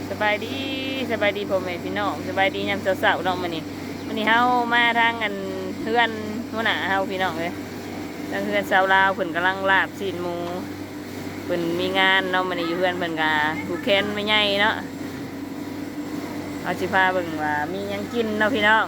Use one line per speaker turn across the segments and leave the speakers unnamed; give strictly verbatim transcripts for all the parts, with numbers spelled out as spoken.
สบายดีสบายดีพ่อแม่พี่น้องสบายดียามเช้าๆน้องมื้อนี้มื้อนี้เฮามาทางอันเฮือนหัวหน้าเฮาพี่น้องเอ้ยทางเฮือนชาวลาวเพิ่นกำลังลาบซีนหมูเพิ่นมีงานเนาะมื้อนี้อยู่เฮือนเพิ่นก็ผูกแขนไม่ใหญ่เนาะเอาสิพาเบิ่งว่ามีหยังกินเนาะพี่น้อง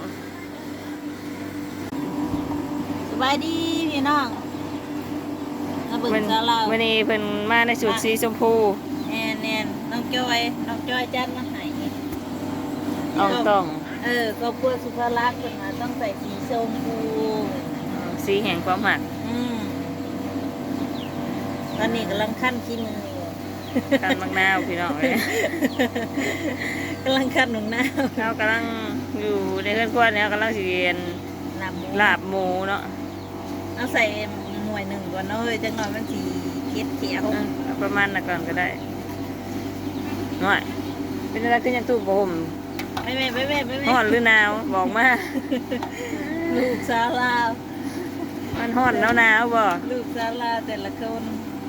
สบายดีพี่น้องมาเบิ่งซาลาว
มื้อนี้เพิ่นมาในชุดสีชมพู
แน่นแน่นน้องจอยน้องจอยจัดมาให้
อ่องต้อง
เออครอบครัวสุภาลักษณ์เพิ่นมาต้องใส่สีชมพู
สีแห่งความหัก
อืมตอนนี้กำลังคั่นขี้มืออยู่
คั่นมะนาวพี่น้องเอ้ย
กำลังคั่นมะนาว
เฮากำลังอยู่ในเฮือนครัวเนี่ยกำลังสิเรียน
ลาบหมู
ลาบหมูเนาะ
เอาใส่หน่วยหนึ่งก่อนเนาะเฮ้ยจังหน่อยมันสีเขียวเขียว
ประมาณนั้นก่อนก็ได้หน่อยเป็นอะไรขึ้นยังตู้บ่ม
ไม่ไม่ไม่ไม่ไม่
ร้อนหรือหนาวบอกมา
ลูกสาวลาว
มันร้อนหนาวหนาวบ่
ลูกสาวลาวแต่ละคน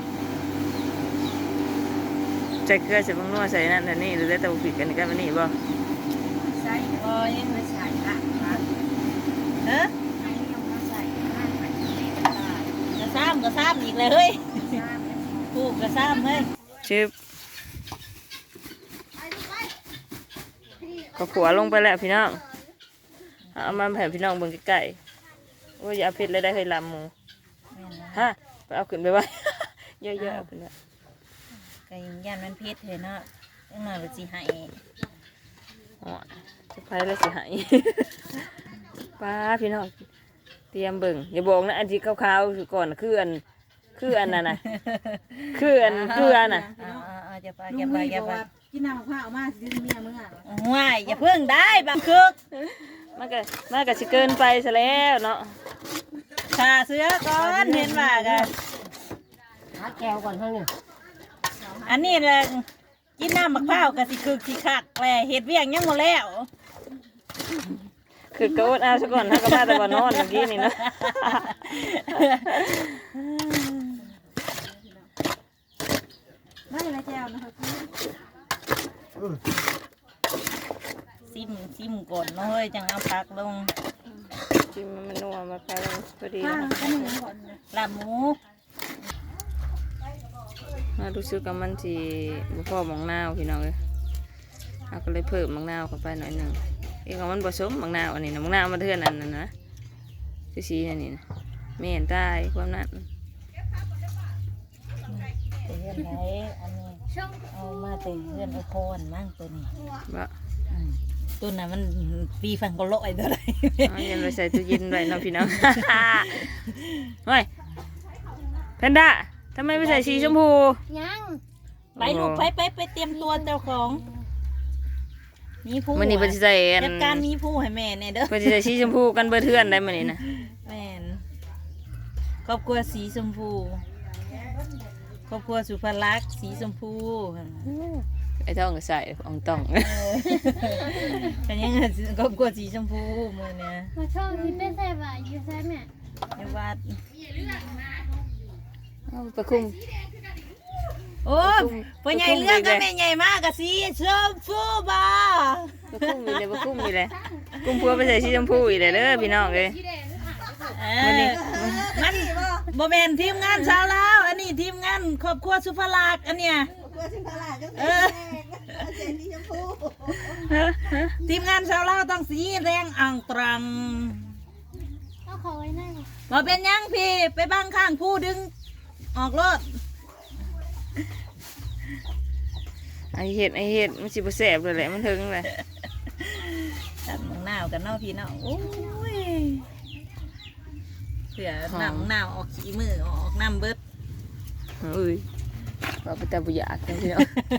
ใจเกลือใส่บางนัวใส่นั่นแต่นี่หรือได้แต่บุผิดกันกันวันนี้บ่
ใส่บ่ยังไม่ใส่ละเฮ้ยกระซ้ำกระซ้ำอีกเลยเฮ้ยผูกกระซ้ำเฮ้ย
ชิบก็ผัวลงไปแล้วพี่น้องเอามาแผ่พี่น้องเบิ่งใกล้ๆโอ้ยอย่าผิดเลยได้เคยลำหมูฮะไปเอาขึ้นไปไว้เยอะๆเอาขึ้นไป
ไก่ย่านมันพิษเห็นเนาะต้องมาไปจีหาย
อ๋อจะไปแล้วสิหายป้าพี่น้องเตรียมเบิ่งอย่าบอกนะอันที่ขาวๆก่อนคืออันคืออันน่ะนะคืออันคืออันน่ะ
จะไปจะไปจะไป
กินน้ำมะพร้าวมาสิเมียมึงอ่ะ
ว้ายอย่าเพิ่งได้บางคึก
มันก็มันก็สิเกินไปซะแล้วเนาะ
ขาเสือก่อนเห็นว่ากัน
หาแก้วก่อนเท่านี้
อันนี้แหละกินน้ำมะพร้าวกับสิคึกสิคักแหละเห็ดเวียงยังหมดแล้ว
คือโกดเอาซะก่อนถ้าก็มาแต่ก่อนนอนเมื่อกี้นี่นะ
ไม่ละแก้วนะคะ
ซิมซิมก่อนเนาะเฮ้ยจังเอาพักลง
ซิมมันนัวมาพอดีพอดี
ลาบหมู
มาดูซื้อกับมันสิบุพ่อมังนาวพี่น้องเลยเราก็เลยเพิ่มมังนาวเข้าไปหน่อยหนึ่งเองของมันผสมมังนาวอันนี้นะมังนาวมาเทือนอันนั้นนะสีๆอันนี้นะไม่เห็นใต้ความนั้น
เตือนไหนอันนี้เอามาเตือนไอโคนมั่งตัวนี้
บ่
ตัวนั้นมันปีฟังก็ลอยตัวไหน
ยังไปใส่ตู้เย็นไว้น้องพี่น้องเฮ้ยแพนด้าทำไมไม่ใส่สีชมพู
ยังไปลูกไปไปไปเตรียมตัวเจ้าของมีผู้
มันนี่เป็นใส่
จัดการมีผู้ให้แม่เนี่ยเด้อ
เป็นใส่สีชมพูกันเบอร์เทือนได้มันนี่นะ
แม่นครอบครัวสีชมพูครอบครัวสุภลักษณ์สีชมพู
ไอ้ท้องก็ใส่องต้อง
แต่ยังครอบครัวสีชมพูมือเนี่ย
มาช่องที่เป็นใส่บ่ายอยู่ใช่ไหม
ในวัด
ประคุม
โอ้พ่อใหญ่เรื่องก็ไม่ใหญ่มากกะสีชมพูบ้า
ประคุมมีเลยประคุมมีเลยกุ้งพัวไปใส่สีชมพูอีกเลยเด้อพี่น้องเลย
มันมันโมเมนทีมงานชาวลาวอันนี้ทีมงานครอบครัวสุภลักษณ์อันเนี้ยทีมงานชาวลาวต้องสีแดงอ่างตรัง
เอาขอไว้หน้า
มาเป็นยังพี่ไปบ้างข้างผู้ดึงออกรถ
ไอเห็ดไอเห็ดมันสิบแสบเลยแหละมันถึงเลย
ตัดมังนาวกันเนาะพี่เนาะโอ้ยเผื่อน้ำมังนาวออกขี้มือออกน้ำเบิด
อุ้ยว่าไปแต่บุญยากกันพี่เนาะ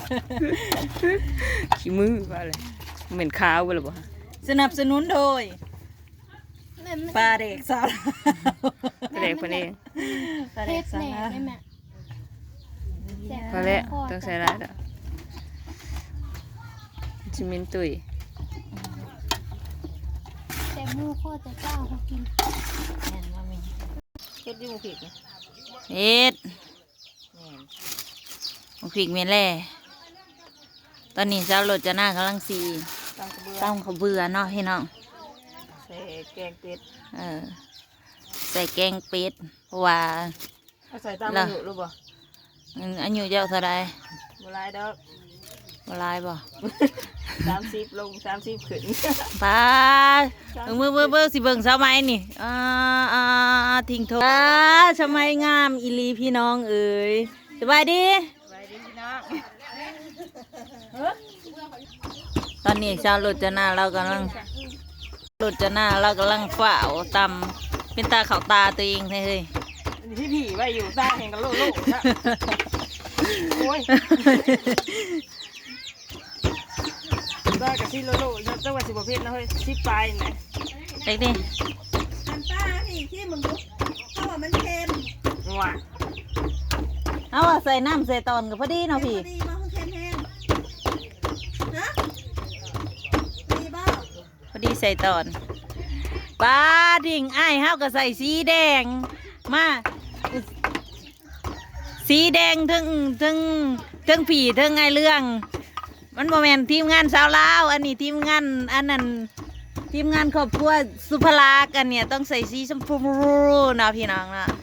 ขี้มือว่าเลยเหม็นขาวไปหรือเปล่า
สนับสนุนโดยปลาเด็กสาว
ปลาเด็กคนเอง
ปลาเด็กสาว
พอแล้วต้องใส่ร้ายแล้วจิมินตุย
แต่มูโคตรจะเจ้าเขากิน
แม่นว่ามี
เฮ็ดดิมูผิก
เฮ็ดมูผิกเมล่ตอนนี้เจ้ารถจะหน้ากำลังสี
ตั้งกระเบื้อง
ต้องเขาเบื่อเนาะพี่น้อง
ใส่แกงเป็ด
เออใส่แกงเป็ดเพราะว่า
เอาใส่ตามอายุรู้บ่
อืมอายุเจ้าเท่าไร
บ่หลายดอก
บหลายบ่
สามสิบลงสามสิบขึ้น
ป้าเบิ่งเบิ่งเบิ่งเบิ่งสิเบิ่งสมัยนี่อ่าอ่าทิ้งโทษอ่าสมัยงามอีหลีพี่น้องเอ๋ยสบายดี
ไปดิพี่น้อง
ตอนนี้ชาวรถจะหน้าเรากำลังรถจะหน้าเรากำลังฝ่าวตำเป็นตาเขาตาตัวเองเฮ้ย
ที่ผีไว้อยู่ใต้แห่งกันโลโลนะโอ้ยได้กับที่โลโลนะจังหวัดสิบประเภทนะเฮ้ยสิบปลายนะ
เด็กดิ
อันป้านี่ที่มึงรู้เขาว่ามันเค็ม
ว้า
เอาว่าใส่น้ำใส่ตอนกับพอดีเนาะพี่
พอดีมาเค็มแห้งฮะดีบ้า
พอดีใส่ตอนปลาดิ่งอ้ายเฮาก็ใส่สีแดงมาสีแดงทั้งทั้งทั้งผีทั้งไอเรื่อง มันโมเมนทีมงานสาวลาวอันนี้ทีมงานอันนั้นทีมงานครอบครัวสุภลากันเนี่ยต้องใส่สีชมพูเนาะพี่น้องนะ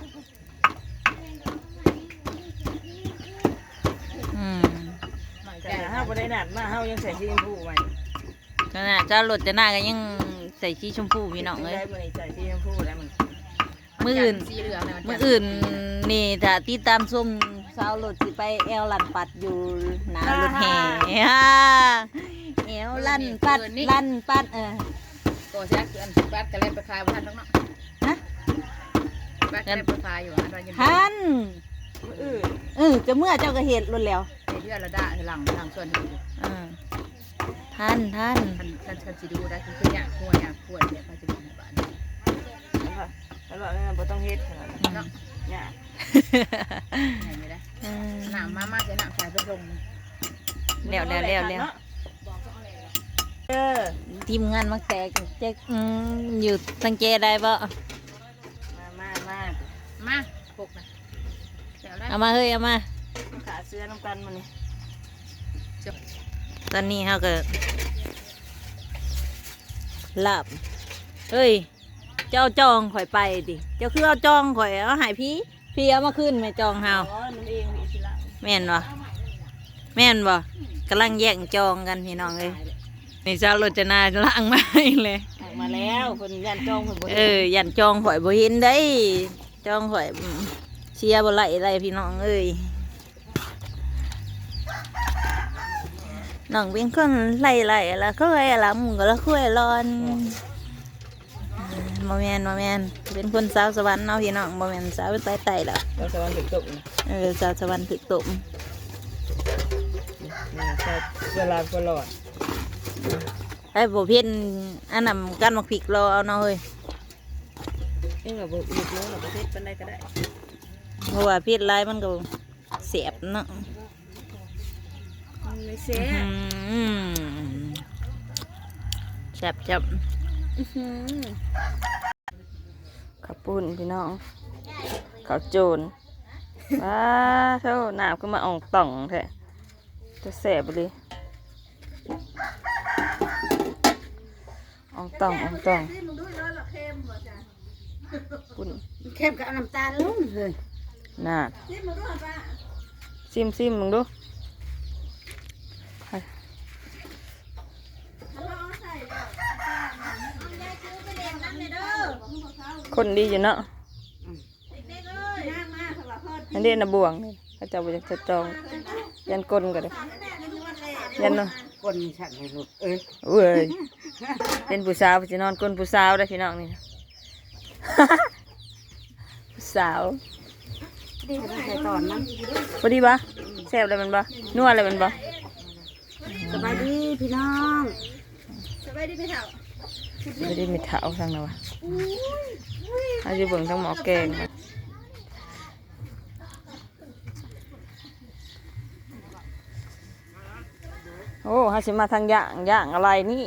อืม
แต่ห้าบ่ได้หนัดมาเฮายังใส่สีชมพูไว้
ขนาดเจ้ารถจะหน้ากันยังใส่สีชมพูพี่น้องเลย
ได้มื้อนี้ใส่สีชมพูแล้วมัน
มืออื่นมืออื่นนี่ถ้าติดตามชมสาวรถสิไปแอลลันปัดอยู่หนารถแห่ฮ่าแอลลันปัดลันปัดเออ
ก็แซ่คืออันแบดกระเล่นไปขายบ้านทั้งเนาะ
ฮะ
แบดกระเล่นไปขายอยู่อันวันยัง
ทัน
มื้ออื่น
เออจะเมื่อเจ้าก็เห็นรถแล้ว
เดือนละด่าหลังหลังส่วนอยู่
เออทันทัน
ท่านท่านท่านสิดูได้คือคือเนี่ยควรเนี่ยควรเนี่ยเขาจะดูในบ้าน
แล้วว่าแล้วบ่ต้องเฮ็ดขนาดนั้น
เนาะ
เนี่ย
ไหนไม่ได้
เออ
หนามมามาจะหนามใส่ลง
เร็วเร็วเร็วเร็ว
เออ
ทีมงานมักแตกเจ๊กอืมอยู่สังเกตได้บ่
มามามา
มาปกนะเดี๋ยวได้
เอามาเฮ้ยเอามา
ขาเสื้อน้ำกันมานี่
ตอนนี้เขาก็หลับเฮ้ยเจ้าจองข่อยไปดิเจ้าคือเอาจองข่อยเอาใหายพี่พี่เอามาขึ้นไหมจองเฮา
อ๋อมันเองมีสิละ
แม่นบ่แม่นบ่กำลังแย่งจองกันพี่น้องเลยนี่เจ้ารถจะนาล่างมาให้เลย
ออกมาแล้วเพิ่นยันจองเพิ่นบ่
เอ
เห็น
อยันจองข่อยบ่เห็นได้จองข่อยอืมเชียร์บ่ไหลไรพี่น้องเอ้ยน้องเป็นคนไหลไหลละก็ไหลละมึงก็ละคุยร้อนบ่แม่นบ่แม่นเป็นคนสาวสวรรค์เนาะพี่น้องบ่แม่นสาวใต้ใต้แล้ว
เราสวรรค์ถึงตกนะ
เออสาวสวรรค์ถึกตม
นี่ใช่เวลาตลอด
ไอ้บ่เพี้ยนอันนั้นกันมักพริกรอเอาเนาะเฮ้ย
เองก็บ่บ่รู้หรอกประเทศปานใดก็ได้
เพราะว่าพริกหลายมันก็เสียบเนาะ
มันไม่แซ่บ
อืมแซ่บจับ
ข้าวปุ้นพี่น้องข้าวโจรว้าเท่าน้ำก็มาอองต่องแท้จะแสบเลยอองต่องอองต่อง
ที่มึงดูแล้วละเค็มบ่จ้ะ
ปุ้น
เข้มกับน้ำตาลลุ่มเลย
น่า
ที่มึงดูป้า
ซิมซิมมึงดู
เขาเอาใส่แล้วยายซื้อไปเลี้ยงน้ำเลยเด้อ
คนดีอยู่เนาะ
เด็กๆเอ้ยย่างมาสำหรับเพิ่น
อันนี้นะบวงนี่เขาเจะไปจะจองยันกลนกันเลยยันเนาะ
คนฉันให้ลูกเอ้ย
เว้ยเป็นผู้สาวจะนอนกลนผู้สาวได้อพี่น้องนี่ ผู้สาว
ดีก็ใส่ตอนนั้น
พอดีปะแซ่บอะไรมันปะนัวอะไรมันปะ
สบายดีพี่น้อง
สบายดีพี่เฒ่า
ไม่ได้มีเท้าทางนะวะอาจจะเบิ่งทั้งหมอแกงมาโอ้ฮาสิมาทางย่างย่างอะไรนี่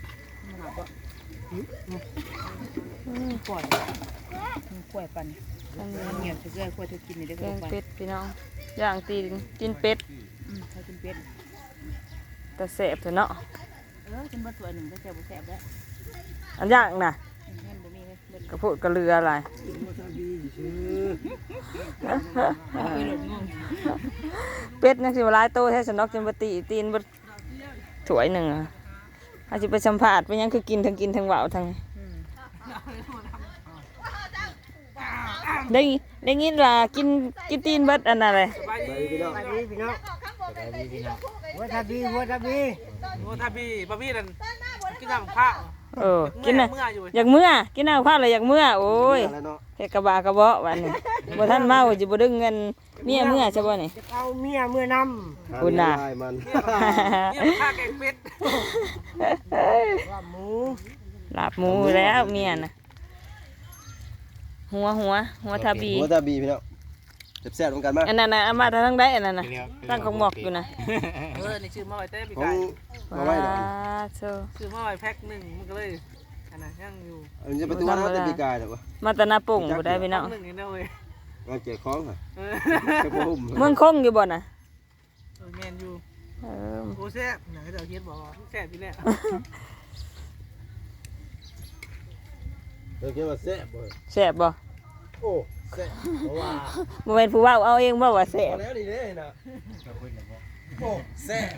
ปล่อยปล่อยปันเหี่ยวเกลือขวดเธอกินนี่ได้
แก
ก็
ง
ไป
เป็ดพี่น้องย่างตีนตีนเป็ด
อืมเขากินเป็ด
แต่แสบเถอะเนาะ
เออกินเบิดตัวหนึ่งก็แซ่บบ่แซ่บแล้ว
อันย่างน่ะ
เงินบ่มีเลยเบิด
กระพุดกระเรืออะไร
ไปหลดงง
เป็ดนั่นสิว่าหลายโตแท้สนอกจนบ่ตีตีนบ่ถ้วยหนึงอ่ะอาจสิไปสัมภาษณ์ไปยังคือกินทั้งกินทั้งเว้าทั้ง
อืม
ได้ได้ยินว่ากินกินตีนเบิดอันนั้นเลย
สบายดีพี่น้องสบายดีพี่น้องสบายดีพี่น้องหัวทาบีหัวทาบี
โอ้ทาบีบะบี้นั่นกินน้ำข้าว
เออกินน่ะ
เมื่ออยู่
อยากเมื่อกินน้ำข้าวเลยอยากเมื่อโอ้ย
แล้วเนาะ
แค่กระบะกระเบาะวันนี้บ่ทันเมาสิบ่ดึงเงินเมียเมื่อใช่บ่นี่
จะเอาเมียเมื่อน
คุณน่ะ
ำมัน
เนี่ยข้าแกงเป็ด
ว่าหมู
ลาบหมูแล้วเมียน่ะหัวหัวหัวทาบี
หัวทาบีพี่น้องแซ่บๆเหมือนกันมั้ย
อันนั้นน่ะเอามาทางใดอันนั้นน่ะตั้งของหมอกอยู่น่ะ
เออนี่ชื่อมาไว้เต้ปี
ของ
ไก่
เอาไว้ดอก
ว้าโซ
ชื่อมาไว้แพ็คหนึ่งมันก็เลยอันนั้นยังอยู่
อันนี้ประตูน้ำแต่ปีกายดอกวะ
มาแตะนาป่งบ่ได้พี่น้อง
หนึ่งนี่นะเว้ย
งานเกี่ยของค่ะ
เออ
จะบ่หุ่ม
เมืองคงอยู่บ่น่ะ
เออแมนอยู่
เออ
โอ้แซ่บไหนเดี๋ยวเฮียบอกแซ่บพี่แหละ
เออคิดว่าแซ่บบ่
แซ่บบ่
โอ้แซ่บเพราะว่า
บ่แม่นผู้เว้าเอาเองบ่ว่าแซ่
พ
บ
อแล้วนี่เด้นะโอ้แซ่บ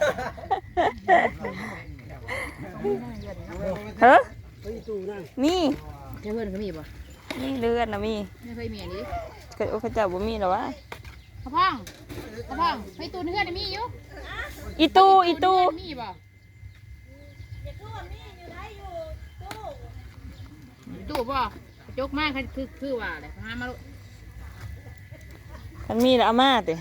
เฮ้อ
ไปตู้นั่น
มี
เจ้าเพื่อนเขามีบ่
มีเลือดน่ะมี
ไม่เคยมีอันนี้
เคยโอ้เขาเจ้าบ่มีหรอวะ
กระพ่องกระพ่องไปตูนเพื่อนมีอยู่
อีตู้อีตู้
มีบ่ตู้บ่จกมากคือคือว่าอะไรหามาลูก
คันมีแล้วเอามาติ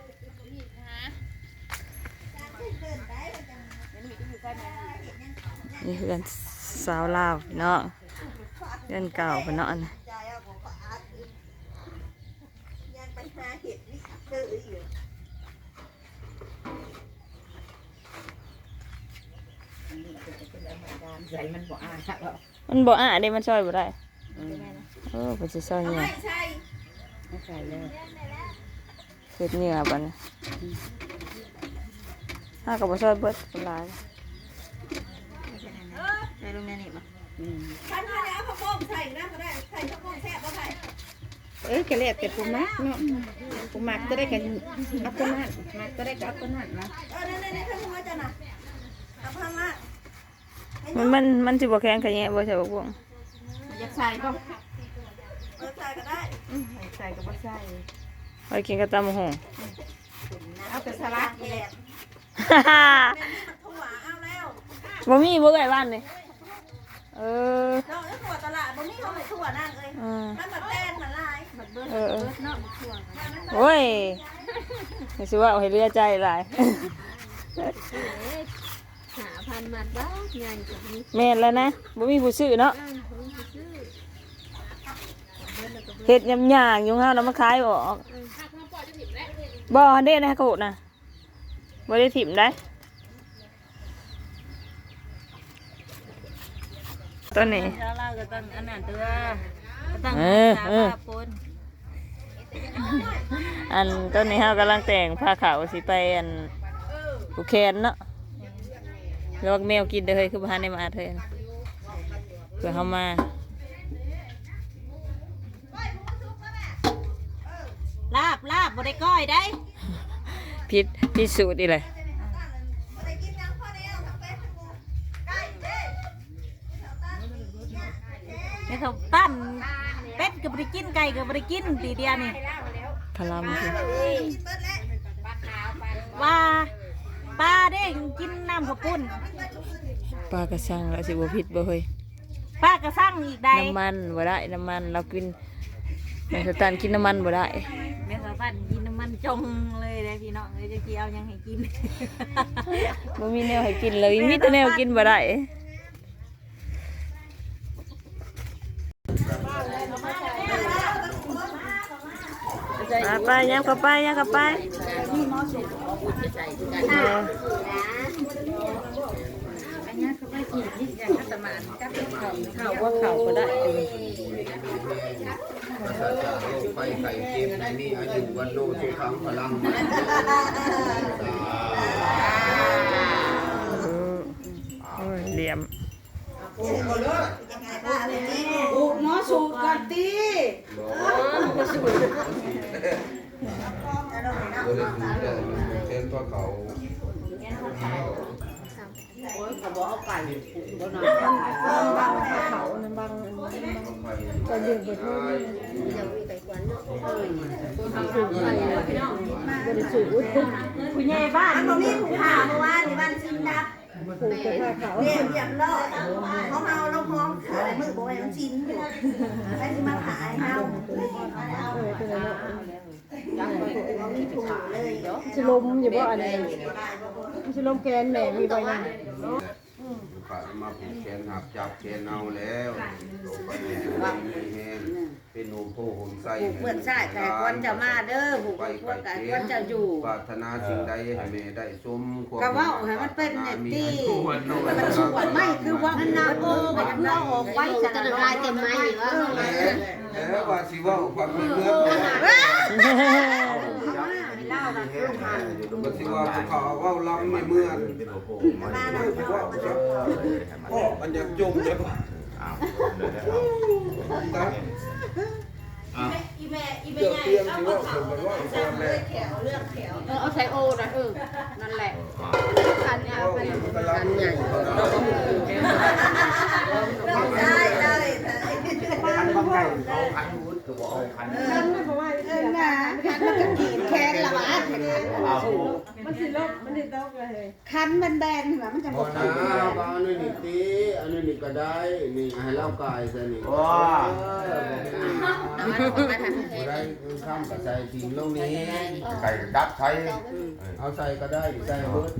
นี่คือกันสาวลาวพี่น้องเดือนเก่าพี่น้องนะมันบ่อ่ะเด้มันช่วยบ่ได้เออเพิ่นสิช่วยเนี่ย
ใส่แล้ว
เฮ็ดเหงื่อบัดนี้ถ้าก็บ่ช่วยเบิดเป็นหลาย
ใส่ลงในนี่บ่
ฉันว่าแล้วข้าวโพดใส่น้ำก็ได้ใส่ข้าวโพดแซ่บบ่ใส่
เอ้ยกะเล็ดแต่ปูมักเนาะปูมักจะได้กันเอาคนนั้นมักจะได้กับเอาคนนั้นนะ
เออนั่นๆๆข้าวโพดจ้ะน่ะเอาพังละ
มันมันมันสิบ่แข็งขะแยะบ่ใช่บ่พวง
อยากใส่ก็
เออใส่ก็ได้
ใส่ก็บ่ใส่
ไว้กินกับตำบักหุ่ง
เอาแต่สลัด
แดด
ฮ่าฮ่า
แม่นี่มันถั่วเอาแล้ว
บ่มีบ่ไกลบ้านนี่เออ
เนาะแล้วถั่วตลาดบ่มีเท่าไหร่ถั่วนั่นเอ้ย
อืม
มันแบบแป้งมันลาย
เออเออโอ้ยไม่ใช่ว่าเอาให้เลือใจหลาย
หาพันมัดบ้างงานกับนี้
แม่นแล้วนะบ่มีผู้ซื้อเนาะเฮ็ดยำยางอยู่เฮาแล้วมาขายออกบ่เด้นะโกดน่ะบ่ได้ถิ่มได้ต้นนี้
เช้าเราก็ต้องอันนั้นตัวก็ต้อง
เออเออ
ปน
อันต้นนี้เฮากำลังแต่งผ้าขาวสิไปอันผูกแขนเนาะแล้วแมวกินเด้อเฮ้ยคือบ่ทันได้มาเถอะเพื่อเฮามา
ลาบลาบบ่ได้ก้อยได้
พิษพิษสูตรอีเลย
นี่เขาปั้นเป็ดก็บ่ได้กินไก่ก็บ่ได้กินทีเดียวนี่
พลัมคือ
ว่าปลาเด้กินน้ำข้าวปุ้น
ปลากระชังแล้วสิบ่พิษบ่เฮ้ย
ปลากระสั่งอีกได้
น้ำมันบ่ได้น้ำมันเรากินแม่สตันกินน้ำมันบ่ได้
แม่สาวปั้นกินน้ำมันจงเลยเด้พี่น้องเลยจะกี่เอายังให้กิน
บ่มีแนวให้กินเลยมีแต่แนวกินบ่ได้ไปๆยับเข้าไปยับเข้าไปเออ
อันนี้เขาไม่กินที่อย่างอัตมากับเขาเขาว่าเขาก็ได้
เ
ภัยไข่เค็มไม่มีอายุวันโนสุขังพลังมัน
โอ้ยเหลี่ยม
อุกหมอสูบก่อนตี
ตัวเล็กๆเนี่ยเช่นพวกเขา
เขาบอกเอาไก่บ่นอนบางเขานั่นบางก็ยืนไปทั่วผู้ใหญ่บ้าน
มันบ่มีผู้หาเมื่อวานนี่บ้านชินดับ
ผูกไปผ้าเขา
เรียบเรียบร้อยเขาเฮาเราพร้อมขายมือบ่ให้มันชินอยู่ใครสิมาขายเฮา
เออเป็นอะไร
บ่มีถูกเลย
ชิลมอยู่บ่อันนี้ชิลมแกนแม่มีใบนั้น
ฝ่ายมาผูกแขนหักจับแขนเอาแล้วลงไปในมีแห้งเป็นโนโพหนไส้
ผูกเพื่อนชายแต่ควรจะมาเด้อผูกพวกกันควรจะอยู่
ปรารถนาสิ่งใดให้แม่ได้สมความ
ก็ว่าให้มันเป็นเนี่ยที่
ควรโน่น
มันสวนไม่คือว่ามันนาโอ้มันคือเอาออกไว้
จะ
จะ
ละลายเต็มไม้อยู่ว่า
แล้วว่าสิว่าความเป็นเมืองก็สิว่าเขาว่าลำในเมืองพ่อมันจะจมเลยครับ
อีแม่อีแม่
เกือบ
ใหญ่
เตียง
เอา
ที่
บ่
ว่า
เขา
ผมว่า
จับเลยแขวเลือกแขว
เออเอาใส่โอนะเออนั่นแหละคันเนี่ยคัน
กำลังใหญ่
ได้ได้
คันบางไก่เอาคันวุ้นคือบอกเอาคัน
เออนะมันก็ขีดแขนละวะ
มันสิลบมันสิตกเลย
คันมันแบนเหรอมันจะ
พ
บ่
อนะเอาอันนี้นี่ตีอันนี้นี่ก็ได้นี่ให้เล่ากายซะนี่
ว้า
ได้ข้ามกับใส่ทิ้งลงนี้
ไก่ดับใช้
เอาใส่ก็ได้ใส่เบิด